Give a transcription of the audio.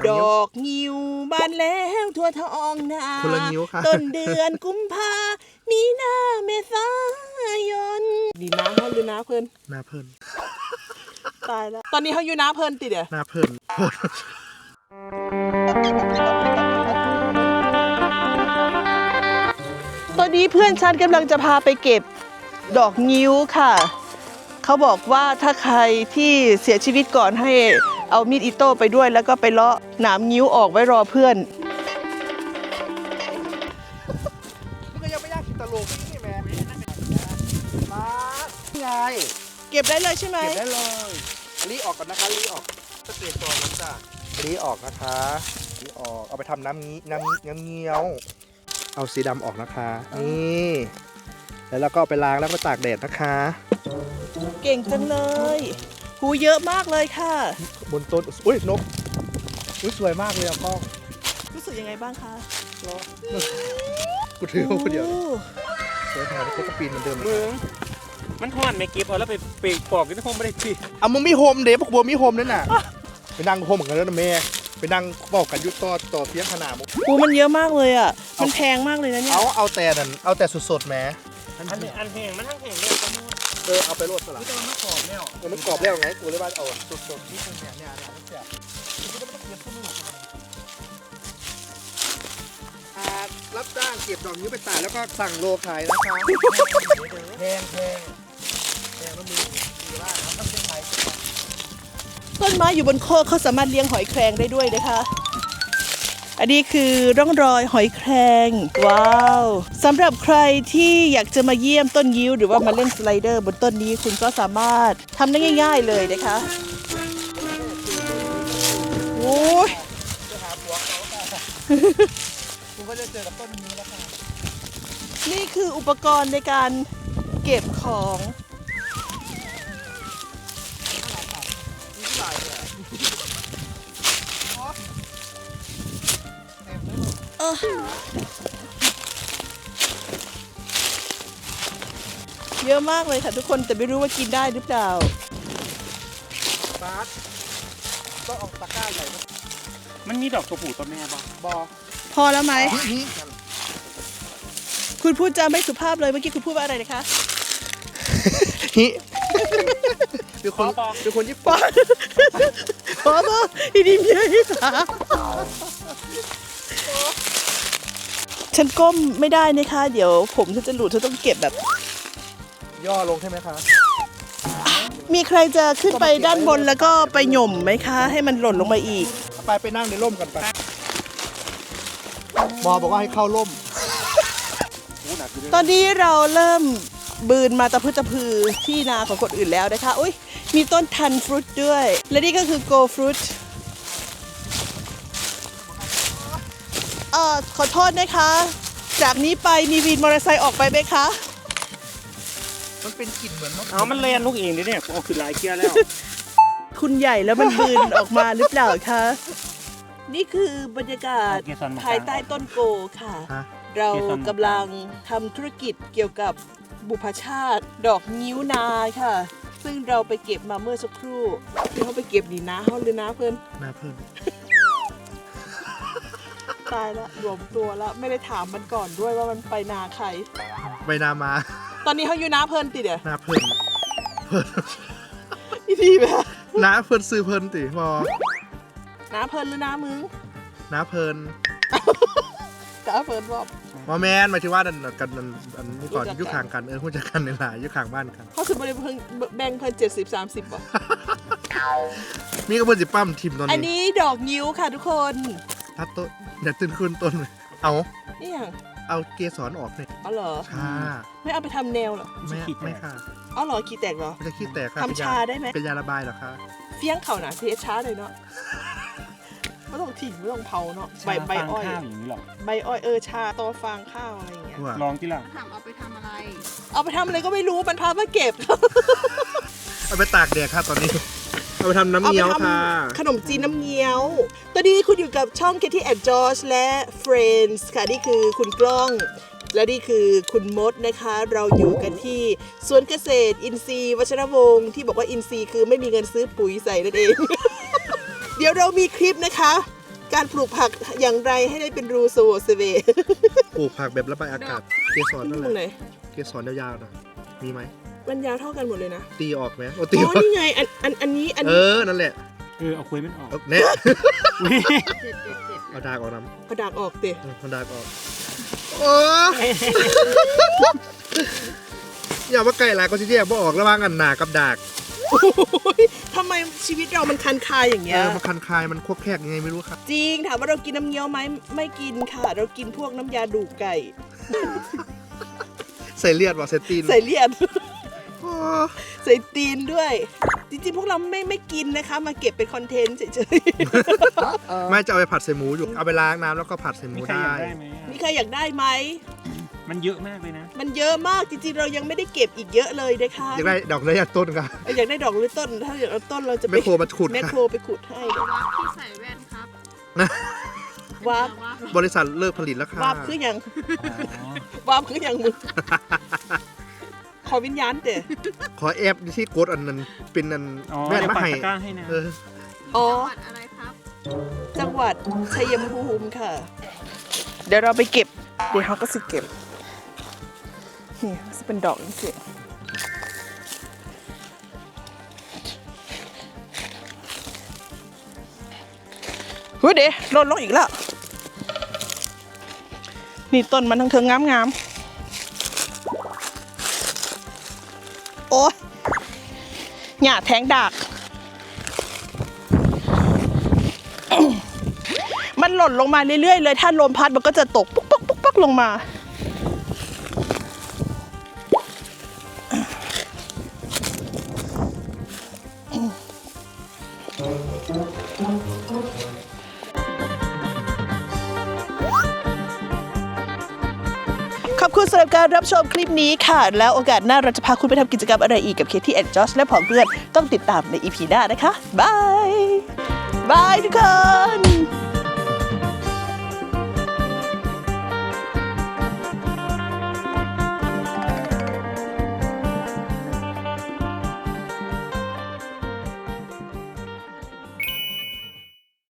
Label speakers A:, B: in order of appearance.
A: ดอกงิ้วบานแล้วทั่วท้องนา
B: คนละงิ้วค่ะ
A: ต้นเดือนกุมภามีนาเมษายนนี่น้าเขาหรือน้าเพิ่น
B: หน้าเพิ่น
A: ตายแล้วตอนนี้เขาอยู่น้าเพิ่นติเดี๋ยว
B: หน้าเพิ่น
A: ตอนนี้เพื่อนฉันกำลังจะพาไปเก็บดอกงิ้วค่ะเขาบอกว่าถ้าใครที่เสียชีวิตก่อนให้เอามีดอิโต้ไปด้วยแล้วก็ไปเลาะหนามงิ้วออกไว้รอเพื่อน
B: มันก็ยังไม่ยากคิดตลกนี่แม่มาไง
A: เก็บได้เลยใช่ไหม
B: เก็บได้เลยรีออกก่อนนะคะรีออกสเตจก่อนนะจ๊ะรีออกนะคะรีออกเอาไปทำน้ำเงี้ยวเอาสีดำออกนะคะนี่แล้วเราก็เอาไปล้างแล้วก็ตากแดดนะคะ
A: เก่งจังเลยหูเยอะมากเลยค่ะ
B: บนต้นอุ้ยนกอุ้ยสวยมากเลยอะกล้อง
A: รู้สึกยังไงบ้างคะ
B: รอกูถือมาคนเดียว
A: โอ้
B: สวยขนาดนี้ก็ปีนเหมือนเดิม
C: มึงมันทอดไม่เก็บเอาแล้วไปปอกที่ห้องไม่ได้พี่
B: เอามึงมีโฮมเดฟพวกบัวมีโฮมนั่นน่ะไปนั่งโฮมเหมือนกันแล้วนะแม่ไปนั่งบอกกันยุต่อเสียงขนาดมึง
A: หูมันเยอะมากเลยอ่ะมันแพงมากเลยนะเนี่ย
B: เอาแต่นั่นเอาแต่สดๆแหม
C: อันแห้งมันทั้งแห้งเลยก็มูด
B: เอาไปโรดสลัด
C: แต่มันกรอบแล้ว
B: มันกรอบแล้วไงกูเลยว่าเอาสดๆที่ตรงเนี้ยมันเสียรับจ้างเก็บดอกนิ้วไปตากแล้วก็สั่งโลขายนะคะแพงแล้วมีว่าครับต้องเป็นไทย
A: ต้นไม้อยู่บนโคกเขาสามารถเลี้ยงหอยแครงได้ด้วยนะคะอันนี้คือร่องรอยหอยแครงว้าวสำหรับใครที่อยากจะมาเยี่ยมต้นงิ้วหรือว่ามาเล่นสไลเดอร์บนต้นนี้คุณก็สามารถทำได้ง่ายๆเลยนะคะโอ้ย
B: จะหาผัวเขาค่ะคุณก็จะเจอกับต้นนิ้วแล้วค่ะ
A: นี่คืออุปกรณ์ในการเก็บของเยอะมากเลยค่ะทุกคนแต่ไม่รู้ว่ากินได้หรือเปล่า
B: บาสต้องเอาตะกร้าใหญ่มา
C: มันมีดอกตัวผู้ตัวแม่บ้าง
B: บอ
A: พอแล้วไหมคุณพูดจาไม่สุภาพเลยเมื่อกี้คุณพูดว่าอะไรนะคะ
B: ฮิเป็นคนญี่ปุ่น
A: พอป่ะอีนี่เมียที่ขาฉันก้มไม่ได้นะคะเดี๋ยวผมฉันจะหลุดฉันต้องเก็บแบบ
B: ย่อลงใช่ไหมคะ
A: มีใครจะขึ้นไปด้านบนแล้วก็ไปหย่มไหมคะ ให้มันหล่นลงมาอีก
B: ไปนั่งในร่มกันไปหมอบอกว่าให้เข้าร่ม
A: ตอนนี้เราเริ่มบืนมาตะพืชที่นาของคนอื่นแล้วนะคะอุ้ยมีต้นทันฟรุตด้วย และนี่ก็คือโกฟรุตขอโทษนะคะ จากนี้ไปมีวินมอเตอร์ไซค์ออกไปไหมคะ
B: มันเป็นกลิ่นเหมือนมะ
C: เอามันเลียนลูกเองดิเนี่ยเอาขึ้นหลายเกียร์แล้ว
A: คุณใหญ่แล้วมันบืนออกมาหรือเปล่าคะ นี่คือบรรยากาศภายใต้ต้นโกค่ะ เรากำลังทำธุรกิจเกี่ยวกับบุพชาติดอกงิ้วนาค่ะ ซึ่งเราไปเก็บมาเมื่อสักครู่ที่เขาไปเก็บดีนะเขาหรือนะเพื่อน
B: หน้าเพิ่น
A: ตายละรวมตัวแล้วไม่ได้ถามมันก่อนด้วยว่ามันไปนาใคร
B: ใบนามา
A: ตอนนี้เขาอยู่นาเพิ่นติเดี๋ยว
B: หน้าเพิ่น
A: อีทีแบบ
B: หน้าเพิ่นซื้อเพิ่นติพอ
A: นาเพิ่นหรือนามึง
B: หน้าเพิ่น
A: นาเพิ่นบอก
B: ว่าแมนหมายถึงว่ากันอันนี้ก่อนยุคห่างกันหุ้นจักกันในหลายยุคห่างบ้านกัน
A: เขาคือบริเพิ่งแบ่งเพิ่น70-30บ่
B: มีกระเบื้องสิปั้มทิมตอน
A: อัน
B: นี้
A: นี้ดอกงิ้วค่ะทุกคน
B: ทัดต้นอย่าตื่นขึ้นต้นเลยเอา
A: นี่อย่าง
B: เอาเกสรออกหน่อย
A: อ๋อเหรอ
B: ค่ะ
A: ไม่เอาไปทำแนวเหรอ
B: ไม่ค่ะ
A: อ๋อเหรอขี้แตกเหรอ
B: มันจะขี้แตกค่ะ
A: ทำชาได้ไหม
B: เป็นยาระบายเหรอคะ
A: เฟี้ยงเขาหนาเทช้าเลยเนาะไม่ต้องถิ่งไม่ต้องเผาเนาะใบอ้อย
C: ข้าวอย่างนี้หรอ
A: ใบอ้อยชาตอฟางข้าวอะไรอย่างเงี้ย
B: ว่า
C: ลองที่ละ
D: ถามเอาไปทำอะไร
A: เอาไปทำอะไรก็ไม่รู้มันพามาเก็บ
B: เอาไปตากแดดค่ะตอนนี้ เอาไปทำน้ำเงี้ยวค่ะ
A: ขนมจีนน้ำเงี้ยว ตอนนี้คุณอยู่กับช่อง Katie and George และ Friends ค่ะนี่คือคุณกล้อง และนี่คือคุณมดนะคะ เราอยู่กันที่สวนเกษตรอินทรีย์วัชรวงศ์ที่บอกว่าอินทรีย์คือไม่มีเงินซื้อปุ๋ยใส่นั่นเอง เดี๋ยวเรามีคลิปนะคะการปลูกผักอย่างไรให้ได้เป็นรูโซเซเว
B: ปลูกผักแบบระบายอากาศเกสรนั่น
A: ตรงไห
B: แห
A: น
B: ละเกสรยาวๆนะมีไหม
A: มันยาวเท่ากันหมดเลยนะ
B: ตีออกไหมโอ้
A: อ๋
B: ตีอ
A: อ
B: อก
A: นี่ไงอันนี้
B: นั่นแหละ
C: เอาคุยมันออก
B: เอาเนี่ยเอาดากออกน้
A: กระดากออกเตะ
B: ำเอาดากออกโอ้อย่ามาไก่หลายก็สิแยกบ่ออกระหว่างอันหนากับดาก
A: ทำไมชีวิตเรามันคันคายอย่างเงี้ย
B: มันคันคายมันควบแคกยังไงไม่รู้ครับ
A: จริงถามว่าเรากินน้ำเงี้ยวไหมไม่กินค่ะ เรากินพวกน้ำยาดูกไก่
B: ใส่เลือดว่ะใส่ตีน
A: ใส่เลียด
B: โอ้
A: ใส่ตีนด้วย จริงๆ พวกเราไม่กินนะคะ มาเก็บเป็นคอนเทนต์เฉย
B: ไม่จะเอาไปผัดใส่หมูอยู่เอาไปล้างน้ำแล้วก็ผัดใส่หมู
C: มีใคร
B: ได้
C: อยากได้ไหม
A: ๆ มีใครอยากได้ไหม
C: มันเยอะมากเลยนะ
A: มันเยอะมากจริงๆ เรายังไม่ได้เก็บอีกเยอะเลยนะคะ
B: อยากได้ดอกระยะต้นครับ
A: อยากได้ดอกหรือต้น ถ้าอยากเอาต้นเราจะไป
B: แมคโครมาขุด
A: แมค
B: ค่ะ
A: โครไปขุดให้
D: วับที่ใส่แว่นครับ
A: วาบ
D: วับ
B: บริษัทเลิกผลิตแล้วค่ะ
A: วาบคืออย่าง
C: อ๋อ
A: วาบคืออย่างมึง ขอวิญญาณเตะ
B: ขอแอปที่กดอันนั้นเป็นอัน
C: อ๋อ
B: แม่น
C: เดี๋ยว
B: มา
C: ปัก
B: ให้
C: ตะกร้าให้นะ
B: เออ
A: อ๋อ
D: จังหวัดอะไรครับ
A: จังหวัดชัยภูมิค่ะ เดี๋ยวเราไปเก็บ เดี๋ยวเขาก็สิเก็บ นี่จะเป็นดอกนี่สิเฮ้ยเดี๋ยวหล่นลงอีกแล้ว นี่ต้นมันทั้งเทิงงามๆโอ้ยหญ้าแทงดาก มันหล่นลงมาเรื่อยๆเลย ถ้าลมพัดมันก็จะตกปุ๊กปุ๊กปุ๊กปุ๊กลงมา ขอบคุณสำหรับการรับชมคลิปนี้ค่ะ แล้วโอกาสหน้าเราจะพาคุณไปทำกิจกรรมอะไรอีกกับเคที่แอนด์จอชและผองเพื่อนต้องติดตามใน EP หน้านะคะ บาย บายทุกคน